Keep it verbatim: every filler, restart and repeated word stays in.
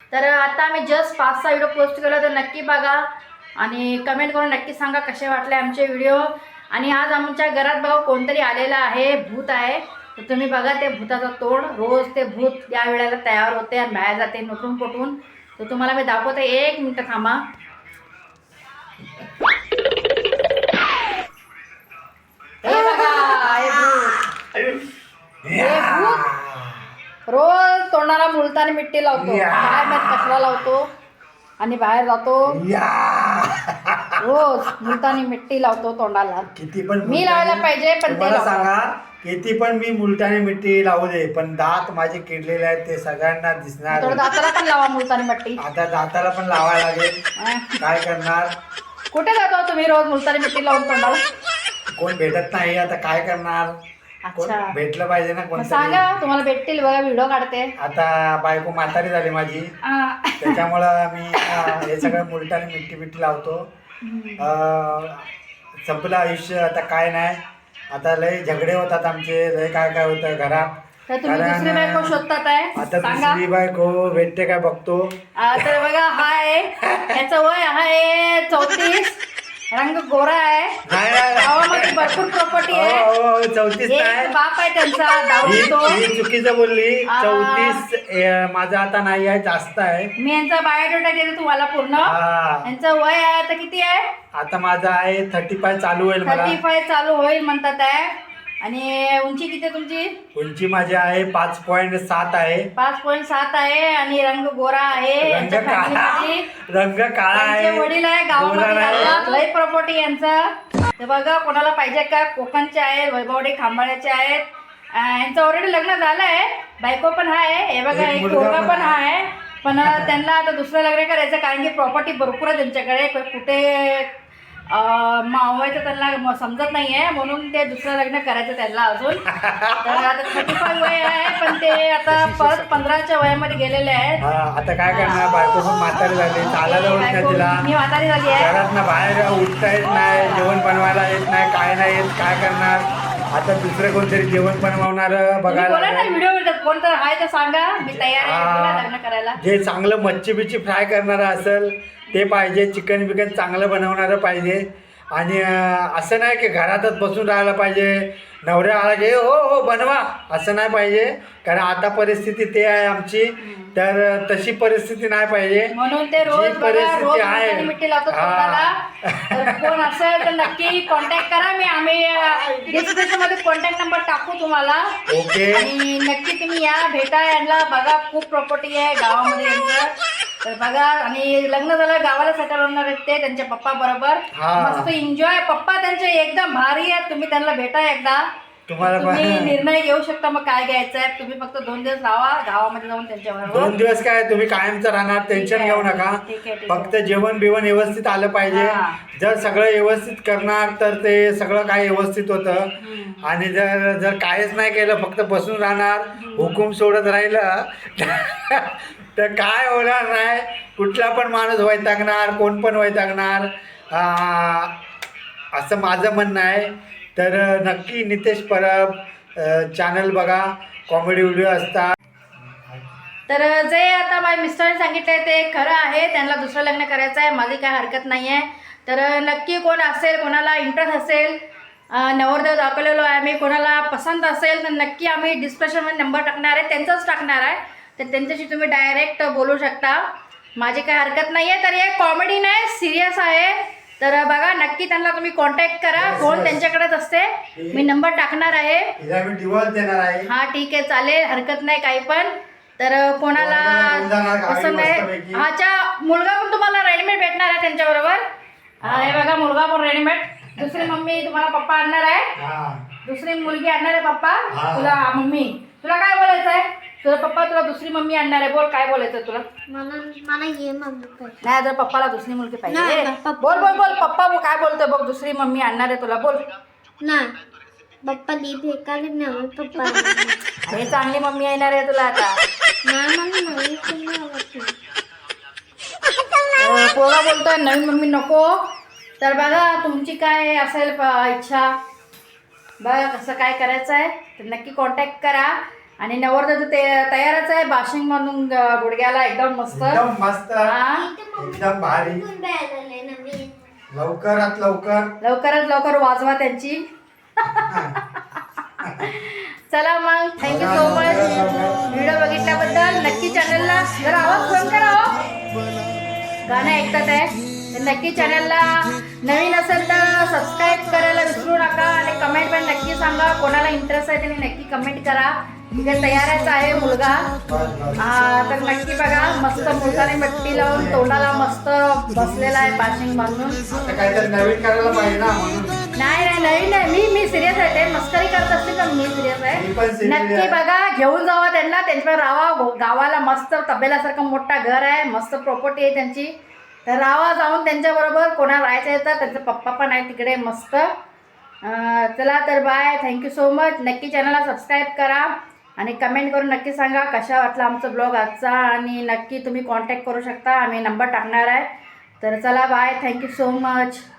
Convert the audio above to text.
तर आता आम्ही जस्ट पाच सहा व्हिडिओ पोस्ट केला, तर नक्की बघा आणि कमेंट करून नक्की सांगा कसे वाटले आमचे व्हिडिओ. आणि आज आमच्या घरात बघा कोणतरी आलेला आहे, भूत आहे. तर तुम्ही बघा ते भूताचं तोंड. रोज ते भूत या वेळेला तयार होते आणि बाहेर जाते नटून पटून. तर तुम्हाला मी दाखवते, एक मिनटं थांबा. हे बघा हे भूत, हे भूत रोज तोंडाला मुलतानी मिट्टी लावतो. काय माहित कशाला लावतो आणि बाहेर जातो रोज मुलतानी मिट्टी लावतो तोंडाला. किती पण मी लावायला पाहिजे पण ते मला लावतात. सांगा, किती पण मी मुलतानी मिट्टी लावू दे, पण दात माझे किडलेले आहेत ते सगळ्यांना दिसणार. थोडं दाताला पण लावा मुलतानी मिट्टी. आता दाताला पण लावायला लागेल. अं. काय करणार, कुठे जातो तुम्ही रोज मुलतानी मिट्टी लावून तोंडाला? कोण भेटत नाही, आता काय करणार. कोण अच्छा, भेटलं पाहिजे ना मग कोणतरी. सांगा तुम्हाला भेटतील बघा, व्हिडिओ काढते. आता बायको म्हातारी झाली माझी, अं. त्याच्यामुळं मी अं, हे सगळं मुलतानी मिट्टी मिट्टी लावतो. अं, संपलं आयुष्य, आता काय नाही. आता लय झगडे होतात आमचे, लय काय काय होतं घरात. तर तुम्ही दुसरी बायको शोधतात आहे, आता सांगा. दुसरी बायको भेटते काय बघतो. आ, तर बघा हाय, याचं वय आहे चौतीस, रंग गोरा आहे, नाही नाही, गावामध्ये भरपूर प्रॉपर्टी हो, आहे, हो, हो, चौतीस एक नाही. बाप आहे त्यांचा, दारू ही पितो. ही चुकीचं बोलली. आ. चौतीस ए, माझं आता नाही आहे, जास्त आहे. मी यांचा बायोडेटा देते तुम्हाला पूर्ण. हा. यांचं वय आहे आता किती आहे? आता माझं आहे थर्टी फाय चालू होईल मला. थर्टी फाय चालू होईल म्हणतात आहे. आणि उंची किती आहे तुमची? उंची माझी आहे पाच पॉईंट सात आहे. पाच पॉईंट सात आहे आणि रंग गोरा आहे. रंग यांच्या काळा, फॅमिलीमध्ये रंग काळा त्यांचे आहे. वडील आहे गोरा गावामध्ये नाही. राहतात, लय प्रॉपर्टी यांचं. तर बघा कोणाला पाहिजे का, कोकणचे आहेत, वैभवडे खांबाळ्याचे आहेत. अं, यांचं ऑलरेडी लग्न झालं आहे, बायको पण आहे. हे बघा एक एक मुलगा मुलगा पण पण आहे. पण त्यांना आता दुसरं लग्न करायचं, कारण की प्रॉपर्टी भरपूर आहे त्यांच्याकडे. कुठे मावायचं त्यांना म- समजत नाही आहे, म्हणून ते दुसरं लग्न करायचं त्यांना अजून. तर आता थर्टी फाय वय आहे, पण ते आता परत पंधराच्या वयामध्ये गेलेले आहेत. हा, आता काय करणार, बायको पण म्हातारी झाली, चालायला होत नाही तिला. मी म्हातारी झाली आहे. घरात ना बाहेर उठता येत नाही, जेवण बनवायला येत नाही, काय नाही येत. काय करणार, आता दुसरं कोणतरी जेवण बनवणार तुम्ही बघायला बोला ना लागेल. व्हिडिओ, कोण तर आहे तर सांगा, मी तयार आहे बोला हा. लग्न करायला. जे चांगलं मच्छी बिच्छी फ्राय करणारं असेल ते पाहिजे, चिकन बिकन चांगलं बनवणारं पाहिजे. आणि अं, असं नाही की घरातच बसून राहायला पाहिजे, नवऱ्या आला की हो हो बनवा, असं नाही पाहिजे. कारण आता परिस्थिती ते आहे आमची, तर तशी परिस्थिती नाही पाहिजे. म्हणून ते रोज जी बघा, परिस्थिती रोज आहे. मुलतानी मिट्टी लावतो हा. तोंडाला. तर कोण असेल तर नक्की कॉन्टॅक्ट करा. मी आम्ही डिस्क्रिप्शन मध्ये कॉन्टॅक्ट नंबर टाकू तुम्हाला. ओके. आणि नक्की तुम्ही या, भेटा यांना. बघा खूप प्रॉपर्टी आहे गावामध्ये यांचं. तर बघा, आणि लग्न झालं गावाला सेटल होणार आहेत ते त्यांच्या पप्पा बरोबर. हा. मस्त एन्जॉय. पप्पा त्यांचे एकदम भारी आहेत, तुम्ही त्यांना भेटा एकदा. तुम्हाला तुम्ही पण- निर्णय घेऊ शकता मग काय घ्यायचं आहे. तुम्ही फक्त दोन दिवस राहा गावामध्ये जाऊन त्यांच्या बरोबर. दोन दिवस काय तुम्ही कायमचं राहणार, टेन्शन आहे. घेऊ नका. ठीक आहे, ठीक आहे. फक्त जेवण बिवण व्यवस्थित आलं पाहिजे. हा. जर सगळं व्यवस्थित करणार तर ते सगळं काय व्यवस्थित होतं. आणि जर जर काहीच नाही केलं, फक्त बसून राहणार, हुकूम सोडत राहिलं तर काय होणार नाही. कुठला पण माणूस वैतागणार, कोण पण वैतागणार, आ, असं माझं म्हणणं आहे. तर नक्की नितेश परब चॅनल बघा, कॉमेडी व्हिडिओ असतात. तर जे आता माझ्या मिस्टरांनी सांगितलं आहे ते खरं आहे. त्यांना दुसरं लग्न करायचं आहे, माझी काय हरकत नाही आहे. तर नक्की कोण असेल, कोणाला इंटरेस्ट असेल, अं, नवरदेव दाखवलेलो आहे आम्ही, कोणाला पसंत असेल तर नक्की आम्ही डिस्क्रिप्शनमध्ये नंबर टाकणार आहे, त्यांचाच टाकणार आहे. तर त्यांच्याशी तुम्ही डायरेक्ट बोलू शकता, माझी काय हरकत नाही आहे. तर हे कॉमेडी नाही, सिरियस आहे. तर बघा नक्की त्यांना तुम्ही कॉन्टॅक्ट करा. फोन त्यांच्याकडेच असते, मी नंबर टाकणार आहे. हिला मी डिवॉर्स देणार आहे. हा ठीक आहे, चालेल, हरकत नाही काही पण. तर कोणाला घेऊन जाणार गाडी पसंत आहे, मस्तपैकी. हाच्या मुलगा पण तुम्हाला रेडीमेड भेटणार आहे त्यांच्याबरोबर. हा, हे बघा मुलगा पण रेडीमेड. दुसरी मम्मी तुम्हाला पप्पा आणणार आहे, हा. दुसरी मुलगी आणणार आहे पप्पा. हा. तुला मम्मी, तुला काय बोलायचं आहे? तुझा पप्पा तुला दुसरी मम्मी आणणार आहे, बोल काय बोलायचं तुला? मला मला ये मम्मी पाहिजे. नाही, जर पप्पाला दुसरी मुलगी पाहिजे. नाही, पप्पा- बोल बोल बोल, पप्पा काय बोलतोय बघ, दुसरी मम्मी आणणार आहे तुला, बोल. नाही पप्पा ली भेकाले नवे पप्पा अरे चांगली मम्मी येणार आहे तुला आता. नाही मला नवी कोणी आवडत नाही. अं, पोरगा बोलतोय नवीन मम्मी नको. तर बघा तुमची काय असेल प- इच्छा, बघा कसं काय करायचं आहे तर नक्की कॉन्टॅक्ट करा. आणि नवरदेव ते तयारच आहे बाशिंग म्हणून ग- गुडघ्याला एकदम मस्त. एकदम मस्त हा एकदम भारी. नवीन लवकरात लवकर लवकरात लवकर वाजवा त्यांची. चला मग थँक्यू सो मच व्हिडिओ बघितल्याबद्दल. नक्की चॅनलला जरा आवाज फोन करा हो, गाणं ऐकतात आहे तर नक्की चॅनलला नवीन असेल तर सबस्क्राईब करायला विसरू नका आणि कमेंट पण नक्की सांगा. कोणाला इंटरेस्ट आहे त्यांनी नक्की कमेंट करा. तिथे तयारच आहे मुलगा. हा तर नक्की बघा मस्त मुलगाने मट्टी लावून तोंडाला मस्त बसलेला आहे बाशिंग बांधून. आता काहीतरी नवीन करायला पाहिजे ना म्हणून. नाही नाही नवीन नाही मी मी सिरियस आहे. ते मस्करी करत असते पण मी सिरियस मी पण आहे. serious नक्की आहे. बघा घेऊन जावा त्यांना. त्यांच्यावर राहा. गो- गावाला मस्त तबेल्यासारखं मोठा घर आहे. मस्त प्रॉपर्टी आहे त्यांची. तर राहा जाऊन त्यांच्याबरोबर. कोणाला राहायचं आहे तर त्यांचा पप्पा पण आहे तिकडे मस्त. अं, चला तर बाय. Thank you so much. नक्की चॅनलला सबस्क्राईब करा आणि कमेंट करून नक्की सांगा कशा वाटला आमचा ब्लॉग आजचा. आणि नक्की तुम्ही कॉन्टॅक्ट करू शकता. आम्ही नंबर टाकणार आहे. तर चला बाय. Thank you so much.